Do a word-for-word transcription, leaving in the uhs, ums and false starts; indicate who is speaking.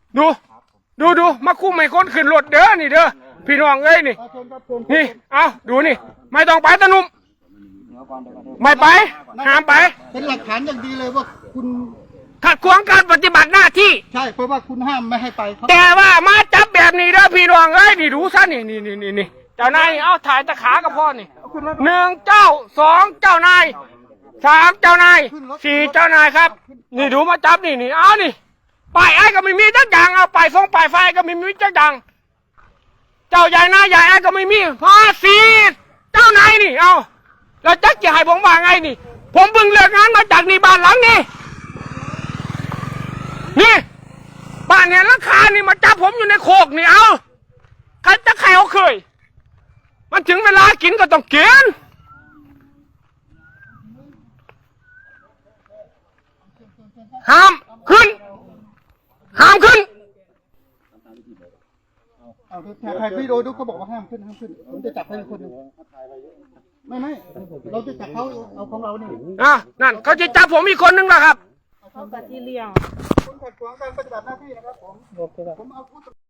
Speaker 1: ดูดูดูมาคุ้มให้คนขึ้นรถเด้อนี่เด้อพี่น้องเอ้ยนี่นี่เอาดูนี่ไม่ต้องไปตะนุ่มไม่ไปห้ามไป
Speaker 2: เป็นหลักฐานอย่างดีเลยว่าคุณ
Speaker 1: ขัดขวางการปฏิบัติหน้าที่
Speaker 2: ใช่เพราะว่าคุณห้ามไม่ให้ไป
Speaker 1: แต่ว่ามาจับแบบนี้เด้อพี่น้องเอ้ยนี่ดูซะนี่นี่นี่นี่นี่เจ้านายเอาถ่ายตะขากับพ่อนี่หนึ่งเจ้าสองเจ้านายสามเจ้านายสี่เจ้านายครับนี่ดูมาจับนี่นี่เอานี่ป้ายไอ้ก็ไม่มีจักอย่างเอาป้ายฟงป้ายไฟก็ไม่มีจักอย่างเจ้าใหญ่นายใหญ่ไอ้ก็ไม่มีพอสี่เจ้านายนี่เอาแล้วจักจะให้ผมว่าไงนี่ผมเพิ่งเลิกงานมาจากนี่บ้านหลังนี้นี่บ้านเนี่ยราคานี่มาจับผมอยู่ในโคกนี่เอาใครจะใครเขาเคยมันถึงเวลากินก็ต้องกินห้ามขึ้นห้ามขึ้น
Speaker 2: เอาถ่ายวิดีโอดูเขาบอกว่าห้ามขึ้นห้ามขึ้นผมจะจับให้คนนึงไม่ไม่เราจะจับเขาเอาของเราเนี่ย
Speaker 1: อ่ะนั่นเขาจะจับผมอีกคนนึงแล้วครับ
Speaker 3: เขาปฏิเลี้ยง
Speaker 2: คุณขัดขวางการปฏิบัติหน้าที่นะครับผมผมเอา